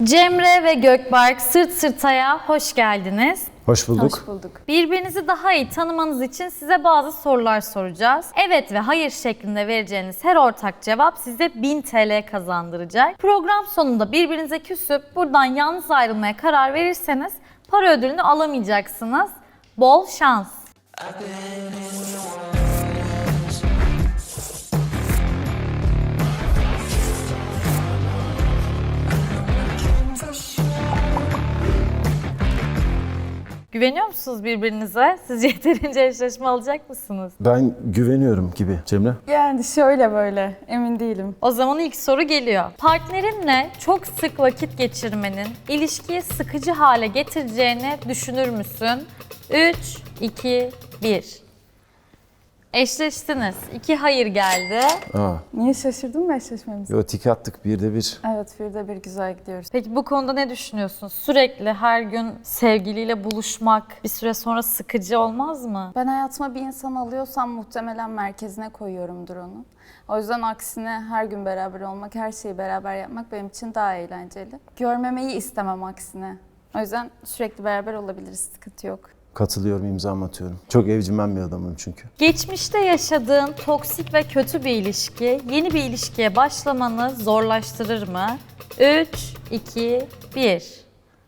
Cemre ve Gökberk Sırt Sırta'ya hoş geldiniz. Hoş bulduk. Hoş bulduk. Birbirinizi daha iyi tanımanız için size bazı sorular soracağız. Evet ve hayır şeklinde vereceğiniz her ortak cevap size 1000 TL kazandıracak. Program sonunda birbirinize küsüp buradan yalnız ayrılmaya karar verirseniz para ödülünü alamayacaksınız. Bol şans. Güveniyor musunuz birbirinize? Sizce yeterince eşleşme alacak mısınız? Ben güveniyorum gibi Cemre. Yani şöyle böyle emin değilim. O zaman ilk soru geliyor. Partnerinle çok sık vakit geçirmenin ilişkiyi sıkıcı hale getireceğini düşünür müsün? 3, 2, 1. Eşleştiniz. 2 hayır geldi. Niye şaşırdın mı eşleşmemiz? Yo, tik attık birde bir. Evet, bir de bir güzel gidiyoruz. Peki bu konuda ne düşünüyorsun? Sürekli her gün sevgiliyle buluşmak bir süre sonra sıkıcı olmaz mı? Ben hayatıma bir insan alıyorsam muhtemelen merkezine koyuyorumdur onu. O yüzden aksine her gün beraber olmak, her şeyi beraber yapmak benim için daha eğlenceli. Görmemeyi istemem aksine. O yüzden sürekli beraber olabiliriz, sıkıntı yok. Katılıyorum, imzamı atıyorum. Çok evcimen bir adamım çünkü. Geçmişte yaşadığın toksik ve kötü bir ilişki yeni bir ilişkiye başlamanı zorlaştırır mı? 3, 2, 1.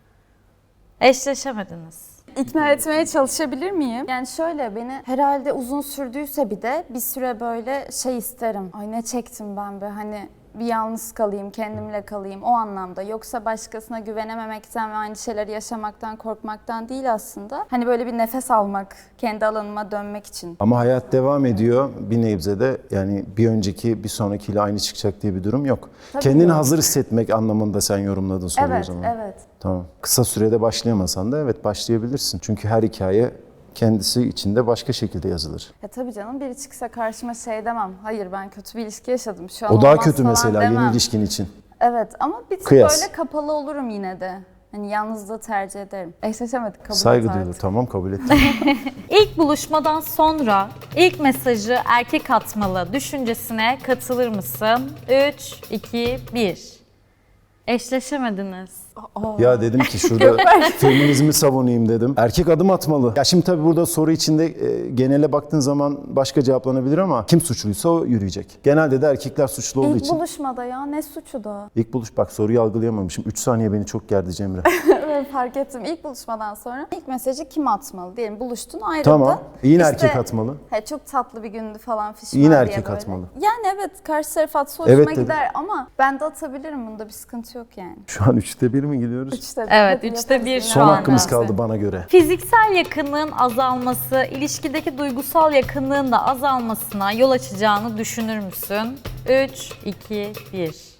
Eşleşemediniz. İkna etmeye çalışabilir miyim? Yani şöyle, beni herhalde uzun sürdüyse bir de bir süre böyle şey isterim. Ay ne çektim ben be, hani bir yalnız kalayım, kendimle kalayım o anlamda. Yoksa başkasına güvenememekten ve aynı şeyleri yaşamaktan, korkmaktan değil aslında. Hani böyle bir nefes almak, kendi alanıma dönmek için. Ama hayat devam ediyor. Bir nebze de yani bir önceki bir sonrakiyle aynı çıkacak diye bir durum yok. Tabii Kendini yok. hazır hissetmek anlamında sen yorumladın soruyu o Evet, zaman. evet. Tamam. Kısa sürede başlayamasan da evet başlayabilirsin. Çünkü her hikaye kendisi içinde başka şekilde yazılır. Ya tabii canım, biri çıksa karşıma şey demem. Hayır, ben kötü bir ilişki yaşadım. Şu an O daha olmaz kötü falan mesela demem. yeni ilişkin için. Evet, ama bir tık Kıyas. böyle kapalı olurum yine de. Hani yalnızlığı tercih ederim. Eşleşemedik, kabul Saygı et duyulur. artık. Tamam, kabul ettim. İlk buluşmadan sonra ilk mesajı erkek atmalı düşüncesine katılır mısın? 3, 2, 1. Eşleşemediniz. Ya dedim ki şurada feminizmi savunayım dedim. Erkek adım atmalı. Ya şimdi tabii burada soru içinde genele baktığın zaman başka cevaplanabilir ama kim suçluysa o yürüyecek. Genelde de erkekler suçlu olduğu İlk için. buluşmada ya, ne suçu da. İlk buluş, bak soruyu algılayamamışım. 3 saniye beni çok gerdi Cemre. Evet, fark ettim. İlk buluşmadan sonra ilk mesajı kim atmalı? Diyelim buluştun, ayrıldın. Tamam. Yine İşte, erkek atmalı. Çok tatlı bir gündü falan fişman Yine diye erkek böyle. atmalı. Yani evet, karşı taraf atsa hoşuma Evet dedim. gider ama ben de atabilirim, bunda bir sıkıntı yok yani. Şu an 3'te 1 mi gidiyoruz? Üçte bir. Evet, Hadi üçte yaparız bir yine. şu Son anda. hakkımız kaldı bana göre. Fiziksel yakınlığın azalması, ilişkideki duygusal yakınlığın da azalmasına yol açacağını düşünür müsün? 3, 2, 1.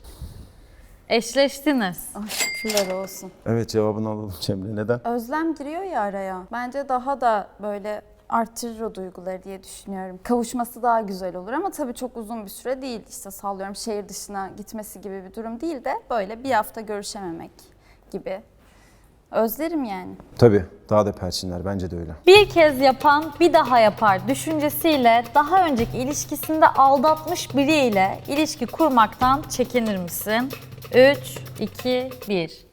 Eşleştiniz. Ay, şükürler olsun. Evet, cevabını alalım Cemre. Neden? Özlem giriyor ya araya. Bence daha da böyle arttırır o duyguları diye düşünüyorum. Kavuşması daha güzel olur ama tabii çok uzun bir süre değil. İşte sallıyorum, şehir dışına gitmesi gibi bir durum değil de böyle bir hafta görüşememek gibi. Özlerim yani. Tabii. Daha da perçinler. Bence de öyle. Bir kez yapan bir daha yapar düşüncesiyle daha önceki ilişkisinde aldatmış biriyle ilişki kurmaktan çekinir misin? 3, 2, 1.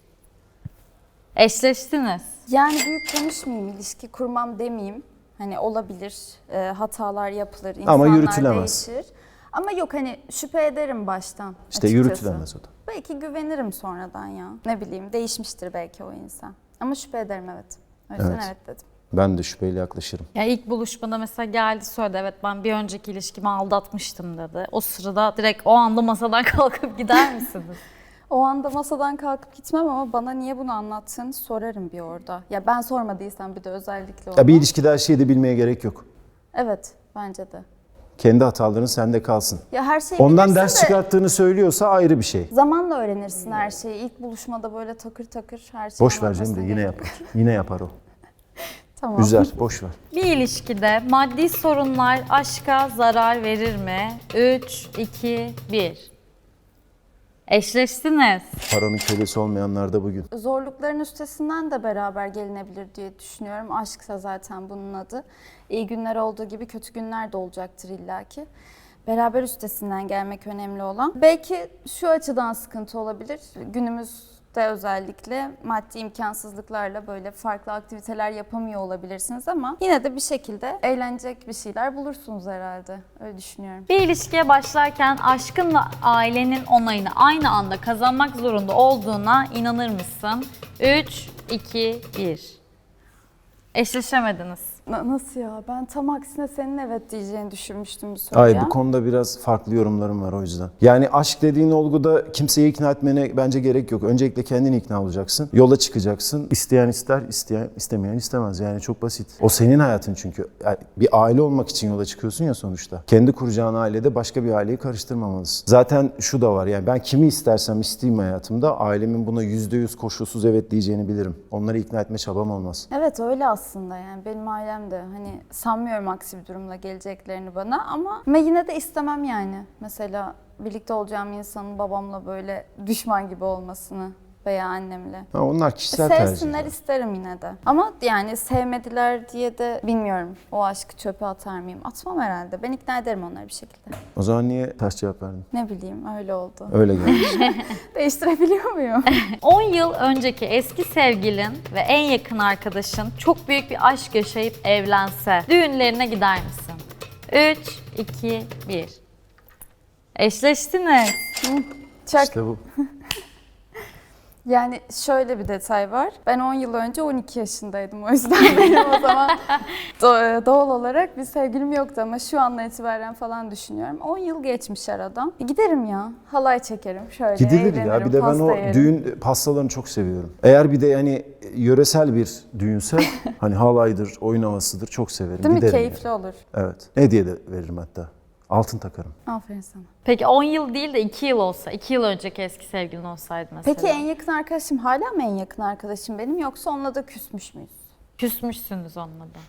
Eşleştiniz. Yani büyük konuşmayayım, ilişki kurmam demeyeyim. Hani olabilir, hatalar yapılır, insanlar yürütülemez. değişir. Ama yok, hani şüphe ederim baştan. İşte açıkçası. yürütülemez o da. Belki güvenirim sonradan ya. Ne bileyim, değişmiştir belki o insan. Ama şüphe ederim, evet. O yüzden Evet. evet dedim. Ben de şüpheyle yaklaşırım. Ya ilk buluşmada mesela geldi söyledi, evet ben bir önceki ilişkimi aldatmıştım dedi. O sırada direkt o anda masadan kalkıp gider misiniz? O anda masadan kalkıp gitmem ama bana niye bunu anlattığını sorarım bir orada. Ya ben sormadıysam bir de özellikle ona. Ya bir ilişkide her şeyi de bilmeye gerek yok. Evet, bence de. Kendi hataların sende kalsın. Ya her şeyi Ondan bilirsin ders de çıkarttığını söylüyorsa ayrı bir şey. zamanla öğrenirsin her şeyi. İlk buluşmada böyle takır takır her şeyi Boş ver anlatmasına Cemre, yine gerek yok. yapar. Yine yapar o. Tamam. Üzer, boş ver. Bir ilişkide maddi sorunlar aşka zarar verir mi? 3, 2, 1. Eşleştiniz. Paranın kölesi olmayanlar da bugün. Zorlukların üstesinden de beraber gelinebilir diye düşünüyorum. Aşksa zaten bunun adı. İyi günler olduğu gibi kötü günler de olacaktır illaki. Beraber üstesinden gelmek önemli olan. Belki şu açıdan sıkıntı olabilir. Günümüzde küçüklükte özellikle maddi imkansızlıklarla böyle farklı aktiviteler yapamıyor olabilirsiniz ama yine de bir şekilde eğlenecek bir şeyler bulursunuz herhalde. Öyle düşünüyorum. Bir ilişkiye başlarken aşkınla ailenin onayını aynı anda kazanmak zorunda olduğuna inanır mısın? 3, 2, 1. Eşleşemediniz. Nasıl ya? Ben tam aksine senin evet diyeceğini düşünmüştüm bu soruya. Hayır, bu konuda biraz farklı yorumlarım var o yüzden. Yani aşk dediğin olguda kimseyi ikna etmene bence gerek yok. Öncelikle kendini ikna olacaksın. Yola çıkacaksın. İsteyen ister, istemeyen istemez. Yani çok basit. O senin hayatın çünkü. Yani bir aile olmak için yola çıkıyorsun ya sonuçta. Kendi kuracağın ailede başka bir aileyi karıştırmamalısın. Zaten şu da var, yani ben kimi istersem isteyeyim hayatımda ailemin buna %100 koşulsuz evet diyeceğini bilirim. Onları ikna etme çabam olmaz. Evet öyle aslında, yani benim ailem de hani sanmıyorum aksi bir durumla geleceklerini bana ama yine de istemem yani. Mesela birlikte olacağım insanın babamla böyle düşman gibi olmasını veya annemle. Ha, onlar kişisel tercihler. Sevsinler isterim yine de. Ama yani sevmediler diye de bilmiyorum o aşkı çöpe atar mıyım? Atmam herhalde. Ben ikna ederim onları bir şekilde. O zaman niye ters cevap verdin? Ne bileyim öyle oldu. Öyle gelmiş. Değiştirebiliyor muyum? 10 yıl önceki eski sevgilin ve en yakın arkadaşın çok büyük bir aşk yaşayıp evlense düğünlerine gider misin? 3, 2, 1. Eşleştiniz. Çak. İşte bu. Yani şöyle bir detay var. Ben 10 yıl önce 12 yaşındaydım. O yüzden benim o zaman doğal olarak bir sevgilim yoktu ama şu andan itibaren falan düşünüyorum. 10 yıl geçmiş aradan. Giderim ya. Halay çekerim. Şöyle Gidilir ya. eğlenirim, Bir de ben pasta o yerim. düğün pastalarını çok seviyorum. Eğer bir de yani yöresel bir düğünse hani halaydır, oyun havasıdır çok severim. Değil mi? Giderim Keyifli yani. olur. Evet. Hediye de veririm hatta. Altın takarım. Aferin sana. Peki 10 yıl değil de 2 yıl olsa, 2 yıl önceki eski sevgilin olsaydı mesela. Peki en yakın arkadaşım hala mı en yakın arkadaşım benim yoksa onunla da küsmüş müyüz? Küsmüşsünüz onunla da.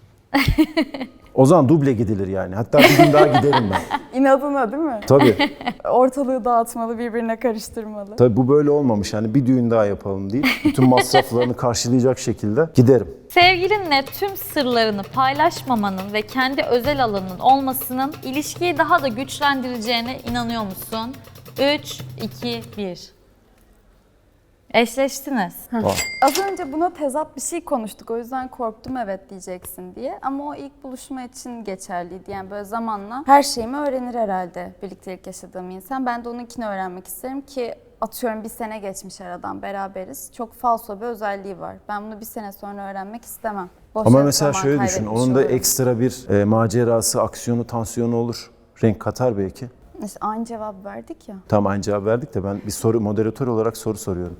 O zaman duble gidilir yani. Hatta bir gün daha giderim ben. İnadına değil mi? Tabii. Ortalığı dağıtmalı, birbirine karıştırmalı. Tabii bu böyle olmamış. Yani bir düğün daha yapalım deyip bütün masraflarını karşılayacak şekilde giderim. Sevgilinle tüm sırlarını paylaşmamanın ve kendi özel alanının olmasının ilişkiyi daha da güçlendireceğine inanıyor musun? 3, 2, 1. Eşleştiniz. Az önce buna tezat bir şey konuştuk. O yüzden korktum evet diyeceksin diye. Ama o ilk buluşma için geçerliydi. Yani böyle zamanla her şeyimi öğrenir herhalde birliktelik yaşadığım insan. Ben de onunkini öğrenmek isterim ki atıyorum bir sene geçmiş aradan beraberiz. Çok falso bir özelliği var. Ben bunu bir sene sonra öğrenmek istemem. Boş Ama yere mesela zaman şöyle düşün. kaybetmiş Onun da olurum. ekstra bir macerası, aksiyonu, tansiyonu olur. Renk katar belki. İşte aynı cevap verdik ya. Tam aynı cevap verdik de ben bir soru moderatör olarak soru soruyorum.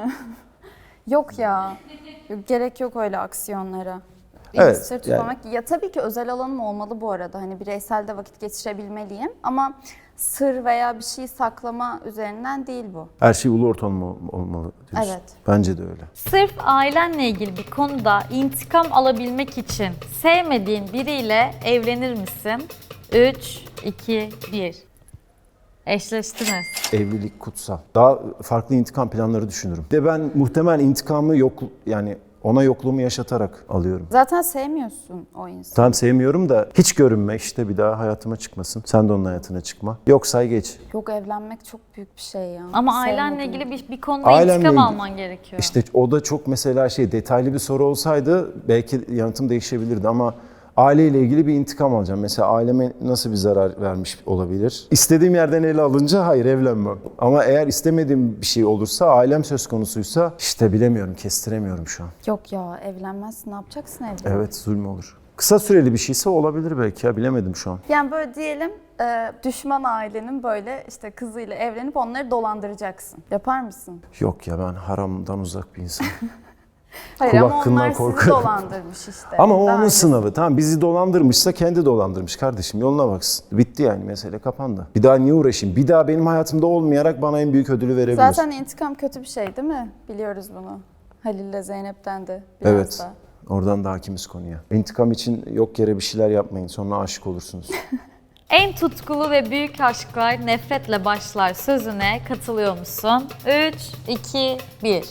Yok ya. Yok, gerek yok öyle aksiyonlara. Evet, Sır tutmamak. Ya tabii ki özel alanım olmalı bu arada. Hani bireysel de vakit geçirebilmeliyim. Ama sır veya bir şey saklama üzerinden değil bu. Her şey ulu orta olmalı diyorsun. Evet. Bence de öyle. Sırf ailenle ilgili bir konuda intikam alabilmek için sevmediğin biriyle evlenir misin? 3, 2, 1. Eşleştiniz. Evlilik kutsal. Daha farklı intikam planları düşünürüm. De ben muhtemel intikamı yok yani ona yokluğumu yaşatarak alıyorum. Zaten sevmiyorsun o insanı. Tam sevmiyorum da hiç görünme işte bir daha hayatıma çıkmasın. Sen de onun hayatına çıkma. Yok say geç. Yok evlenmek çok büyük bir şey ya. Ama ailenle Sevmediğim. ilgili bir konuda Ailemle intikam ilgili- alman gerekiyor. İşte o da çok mesela detaylı bir soru olsaydı belki yanıtım değişebilirdi ama aileyle ilgili bir intikam alacağım. Mesela aileme nasıl bir zarar vermiş olabilir? İstediğim yerden ele alınca hayır evlenmem. Ama eğer istemediğim bir şey olursa, ailem söz konusuysa işte bilemiyorum, kestiremiyorum şu an. Yok ya evlenmezsin, ne yapacaksın evde? Evet zulüm olur. Kısa süreli bir şeyse olabilir belki ya bilemedim şu an. Yani böyle diyelim düşman ailenin böyle işte kızıyla evlenip onları dolandıracaksın. Yapar mısın? Yok ya ben haramdan uzak bir insanım. Hayır Kul ama hakkından onlar sizi korkarım. dolandırmış işte. Ama o Daha onun önce- sınavı. Tamam bizi dolandırmışsa kendi dolandırmış kardeşim. Yoluna baksın. Bitti yani mesele kapandı. Bir daha niye uğraşayım? Bir daha benim hayatımda olmayarak bana en büyük ödülü verebilir. Zaten intikam kötü bir şey değil mi? Biliyoruz bunu. Halil'le Zeynep'ten de biraz Evet. da. Oradan da hakimiz konuya. İntikam için yok yere bir şeyler yapmayın. Sonra aşık olursunuz. En tutkulu ve büyük aşklar nefretle başlar sözüne katılıyor musun? 3, 2, 1.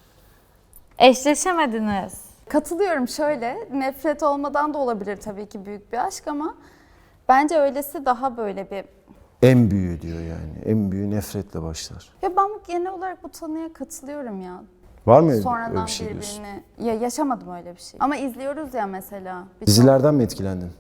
Eşleşemediniz. Katılıyorum şöyle. Nefret olmadan da olabilir tabii ki büyük bir aşk ama bence öylesi daha böyle bir En büyüğü diyor yani. En büyüğü nefretle başlar. Ya ben genel olarak bu tanıya katılıyorum ya. Var mı öyle Sonradan bir şey diyorsun? birbirini... Ya yaşamadım öyle bir şey. Ama izliyoruz ya mesela. Dizilerden mi etkilendin?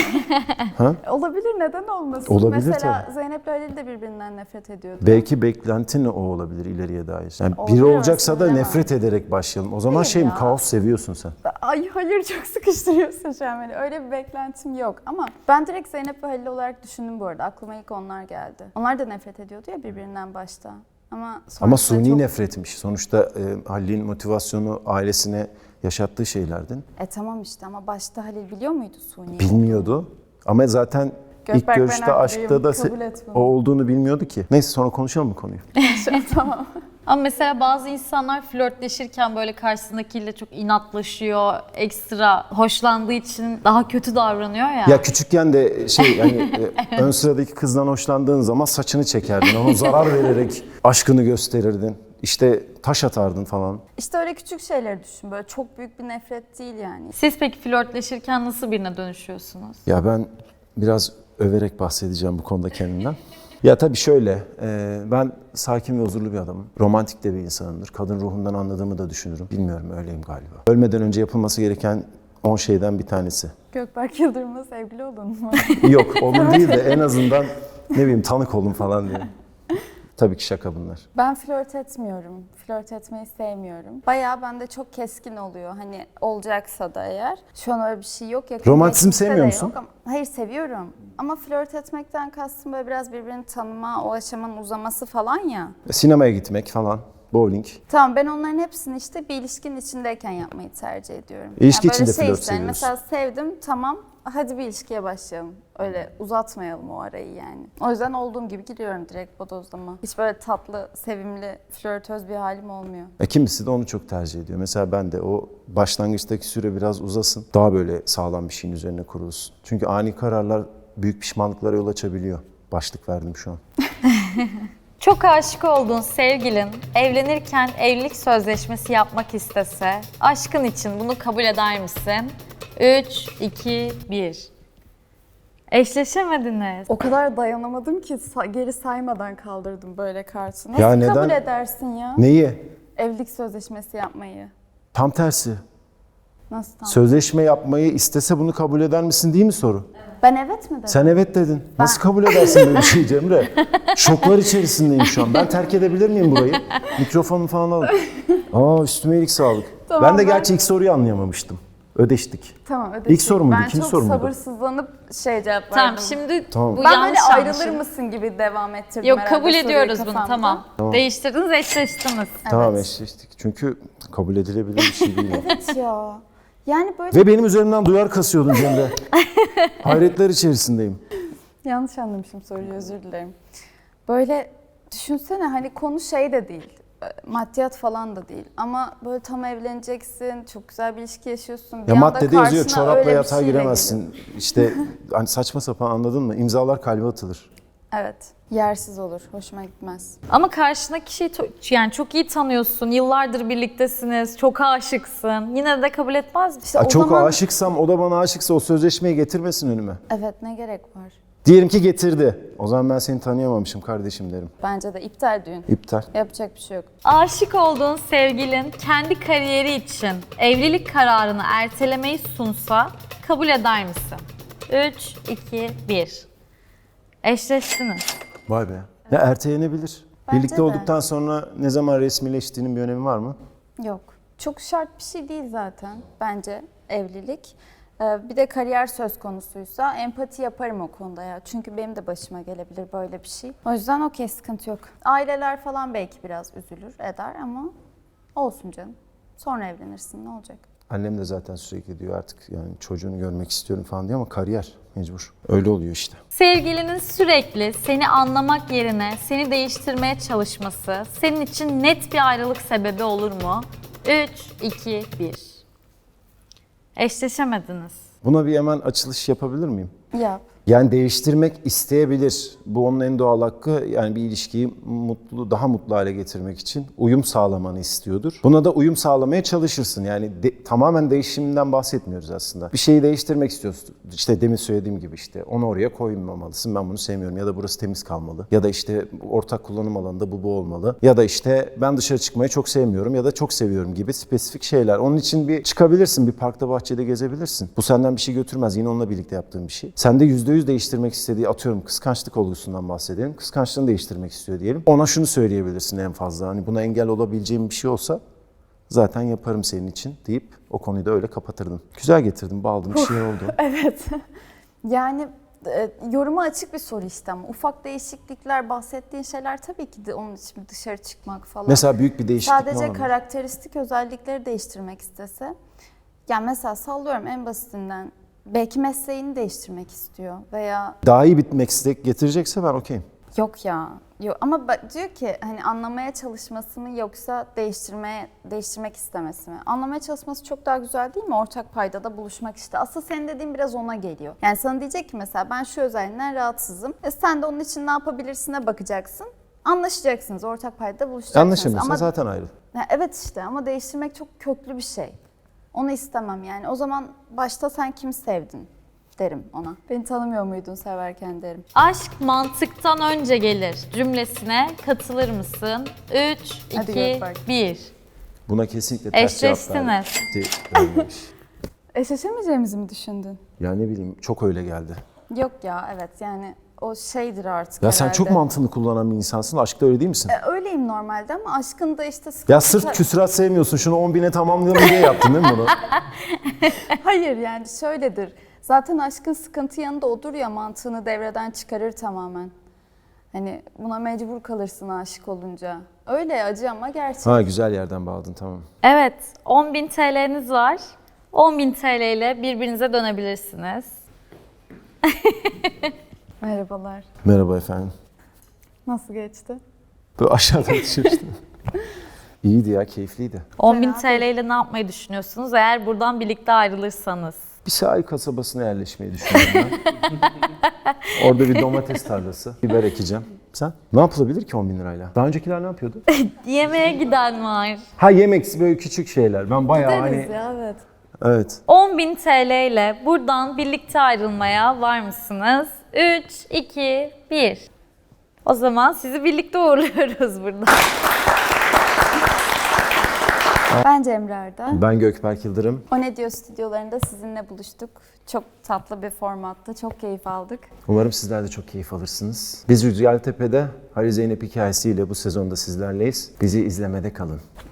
Olabilir, neden olmasın? Olabilir mesela tabii. Zeynep'le Halil de birbirinden nefret ediyordu. Belki beklentin o olabilir ileriye dair. Yani biri Olabilir, olacaksa da aslında nefret ederek başlayalım. O zaman Hayır şey mi, ya. kaos seviyorsun sen? Ay hayır, çok sıkıştırıyorsun şu an beni. Öyle bir beklentim yok. Ama ben direkt Zeynep ve Halil olarak düşündüm bu arada. Aklıma ilk onlar geldi. Onlar da nefret ediyordu ya birbirinden başta. Ama Ama sonrasında suni çok... nefretmiş. Sonuçta Halil'in motivasyonu ailesine yaşattığı şeylerden. Tamam işte, ama başta Halil biliyor muydu suni? Bilmiyordu. Ama zaten Gökberk, ilk ben görüşte haklıyım, aşkta da kabul et bunu. o olduğunu bilmiyordu ki. Neyse sonra konuşalım mı konuyu? Tamam. Ama mesela bazı insanlar flörtleşirken böyle karşısındakiyle çok inatlaşıyor, ekstra hoşlandığı için daha kötü davranıyor ya. Ya küçükken de şey yani ön sıradaki kızdan hoşlandığın zaman saçını çekerdin. Ona zarar vererek aşkını gösterirdin. İşte taş atardın falan. İşte öyle küçük şeyleri düşün. Böyle çok büyük bir nefret değil yani. Siz peki flörtleşirken nasıl birine dönüşüyorsunuz? Ya ben biraz överek bahsedeceğim bu konuda kendimden. Ya tabii şöyle, ben sakin ve huzurlu bir adamım. Romantik de bir insanımdır. Kadın ruhundan anladığımı da düşünürüm. Bilmiyorum, öyleyim galiba. Ölmeden önce yapılması gereken 10 şeyden bir tanesi. Gökberk Yıldırım'la sevgili oldun mu? Yok, onun değil de en azından ne bileyim tanık olun falan diye. Tabii ki şaka bunlar. Ben flört etmiyorum. Flört etmeyi sevmiyorum. Bayağı bende çok keskin oluyor. Hani olacaksa da eğer. Şu an öyle bir şey yok. Yakın Romantizm geçmişte de sevmiyor yok musun? ama- Hayır, seviyorum. Ama flört etmekten kastım böyle biraz birbirini tanıma, o aşamanın uzaması falan ya. Sinemaya gitmek falan, bowling. Tamam, ben onların hepsini işte bir ilişkinin içindeyken yapmayı tercih ediyorum. İlişki böyle içinde şey flört isterim. seviyorsun. Mesela sevdim, tamam, hadi bir ilişkiye başlayalım. Öyle uzatmayalım o arayı yani. O yüzden olduğum gibi gidiyorum direkt bodozlama. Hiç böyle tatlı, sevimli, flörtöz bir halim olmuyor. Kimisi de onu çok tercih ediyor. Mesela ben de o başlangıçtaki süre biraz uzasın. Daha böyle sağlam bir şeyin üzerine kurulsun. Çünkü ani kararlar büyük pişmanlıklara yol açabiliyor. Başlık verdim şu an. Çok aşık olduğun sevgilin evlenirken evlilik sözleşmesi yapmak istese, aşkın için bunu kabul eder misin? 3, 2, 1. Eşleşemediniz. O kadar dayanamadım ki geri saymadan kaldırdım böyle kartı. Ya Nasıl neden? kabul edersin ya? Neyi? Evlilik sözleşmesi yapmayı. Tam tersi. Nasıl tam? Sözleşme yapmayı istese bunu kabul eder misin değil mi soru? Ben evet mi dedim? Sen evet dedin. Nasıl kabul edersin böyle bir şey Cemre? Şoklar içerisindeyim şu an. Ben terk edebilir miyim burayı? Mikrofonu falan alıp. Üstüme iyilik sağlık. Tamam, ben de ben- gerçi ilk soruyu anlayamamıştım. Ödeştik. Tamam, ödeştik. İlk soru muydu, Ben ikinci çok soru muydu? sabırsızlanıp cevap verdim. Tamam, şimdi Tamam. bu Ben yanlış böyle ayrılır anlaşılma. mısın gibi devam ettirdim Yok, herhalde kabul soruyu ediyoruz bunu, kafamda. tamam. Değiştirdiniz, eşleştiniz. Tamam eşleştik. Çünkü kabul edilebilir bir şey değil. yani. Evet ya. Yani böyle Ve benim üzerimden duyar kasıyordun Cemre. Hayretler içerisindeyim. yanlış anlamışım soruyu, özür dilerim. Böyle düşünsene, hani konu şey de değil. Maddiyat falan da değil. Ama böyle tam evleneceksin, çok güzel bir ilişki yaşıyorsun. Bir Ya anda maddede yazıyor karşına çorapla öyle bir yatağa şeyle giremezsin. İşte hani saçma sapan, anladın mı? İmzalar kalbe atılır. geliyor. Evet. Yersiz olur. Hoşuma gitmez. Ama karşındaki kişiyi yani çok iyi tanıyorsun, yıllardır birliktesiniz, çok aşıksın. Yine de kabul etmez misin? İşte o Çok zaman... aşıksam, o da bana aşıksa o sözleşmeyi getirmesin önüme. Evet, ne gerek var? Diyelim ki getirdi. O zaman ben seni tanıyamamışım kardeşim derim. Bence de iptal düğün. İptal. Yapacak bir şey yok. Aşık olduğun sevgilin kendi kariyeri için evlilik kararını ertelemeyi sunsa kabul eder misin? 3, 2, 1. Eşleştiniz. Vay be. Ya ertelenebilir. Bence Birlikte de. olduktan sonra ne zaman resmileştiğinin bir önemi var mı? Yok. Çok şart bir şey değil zaten bence evlilik. Bir de kariyer söz konusuysa empati yaparım o konuda ya. Çünkü benim de başıma gelebilir böyle bir şey. O yüzden okey, sıkıntı yok. Aileler falan belki biraz üzülür eder ama olsun canım. Sonra evlenirsin, ne olacak? Annem de zaten sürekli diyor artık yani çocuğunu görmek istiyorum falan diyor ama kariyer mecbur. Öyle oluyor işte. Sevgilinin sürekli seni anlamak yerine seni değiştirmeye çalışması senin için net bir ayrılık sebebi olur mu? 3, 2, 1. Eşleşemediniz. Buna bir hemen açılış yapabilir miyim? Yap. Yani değiştirmek isteyebilir. Bu onun en doğal hakkı. Yani bir ilişkiyi daha mutlu hale getirmek için uyum sağlamanı istiyordur. Buna da uyum sağlamaya çalışırsın. Yani tamamen değişiminden bahsetmiyoruz aslında. Bir şeyi değiştirmek istiyorsun. İşte demin söylediğim gibi işte onu oraya koymamalısın. Ben bunu sevmiyorum. Ya da burası temiz kalmalı. Ya da işte ortak kullanım alanında bu olmalı. Ya da işte ben dışarı çıkmayı çok sevmiyorum ya da çok seviyorum gibi spesifik şeyler. Onun için bir çıkabilirsin. Bir parkta, bahçede gezebilirsin. Bu senden bir şey götürmez. Yine onunla birlikte yaptığın bir şey. Sende %100 değiştirmek istediği, atıyorum kıskançlık olgusundan bahsedelim. Kıskançlığını değiştirmek istiyor diyelim. Ona şunu söyleyebilirsin en fazla. Hani buna engel olabileceğim bir şey olsa zaten yaparım senin için deyip o konuyu da öyle kapatırdın. Güzel getirdin, bağladım, bir şey oldu. Evet. Yani yoruma açık bir soru işte ama ufak değişiklikler, bahsettiğin şeyler tabii ki de onun için dışarı çıkmak falan. Mesela büyük bir değişiklik Sadece var mı? karakteristik özellikleri değiştirmek istese. Yani mesela sallıyorum en basitinden belki mesleğini değiştirmek istiyor veya Daha iyi bir meslek getirecekse ben okeyim. yok ya. Yok ama diyor ki hani anlamaya çalışması mı yoksa değiştirmek istemesi mi? Anlamaya çalışması çok daha güzel değil mi? Ortak paydada buluşmak işte. Aslında senin dediğin biraz ona geliyor. Yani sana diyecek ki mesela ben şu özelliğinden rahatsızım. Sen de onun için ne yapabilirsine bakacaksın. Anlaşacaksınız, ortak paydada buluşacaksınız. Anlaşamıyorsan zaten ayrı. Ya evet işte ama değiştirmek çok köklü bir şey. Onu istemem yani. O zaman başta sen kimi sevdin derim ona. Beni tanımıyor muydun severken derim. Aşk mantıktan önce gelir cümlesine katılır mısın? 3, Hadi 2, Gökberk. 1. Buna kesinlikle ters cevap Eşleştiniz. vermiş. Eşleşemeyeceğimizi mi düşündün? Ya ne bileyim çok öyle geldi. Yok ya evet yani o şeydir artık Ya sen herhalde. çok mantığını kullanan bir insansın. Aşkta öyle değil misin? Öyleyim normalde ama aşkın da işte sıkıntı... Ya sırf küsurat sevmiyorsun. Şunu 10.000'e tamamlayalım diye yaptın değil mi bunu? Hayır yani şöyledir. Zaten aşkın sıkıntı yanında odur ya mantığını devreden çıkarır tamamen. Hani buna mecbur kalırsın aşık olunca. Öyle acı ama gerçek. Ha güzel yerden bağladın tamam. Evet, 10.000 TL'niz var. 10.000 TL ile birbirinize dönebilirsiniz. Merhabalar. Merhaba efendim. Nasıl geçti? Böyle aşağıdan düşmüştüm. İyiydi ya, keyifliydi. 10.000 TL ile ne yapmayı düşünüyorsunuz eğer buradan birlikte ayrılırsanız? Bir sahil kasabasına yerleşmeyi düşünüyorum ben. Orada bir domates tarlası, biber ekeceğim. Sen? Ne yapılabilir ki 10.000 lirayla? Daha öncekiler ne yapıyordu? Yemeğe giden var. Ha yemek, böyle küçük şeyler. Ben bayağı Deriz hani... ya evet. Evet. 10.000 TL ile buradan birlikte ayrılmaya var mısınız? 3, 2, 1. O zaman sizi birlikte uğurluyoruz burada. Ben Cemre Arda. Ben Gökberk Yıldırım. O Ne Diyor stüdyolarında sizinle buluştuk. Çok tatlı bir formatta, çok keyif aldık. Umarım sizler de çok keyif alırsınız. Biz Rüzgartepe'de Halil Zeynep hikayesiyle bu sezonda sizlerleyiz. Bizi izlemede kalın.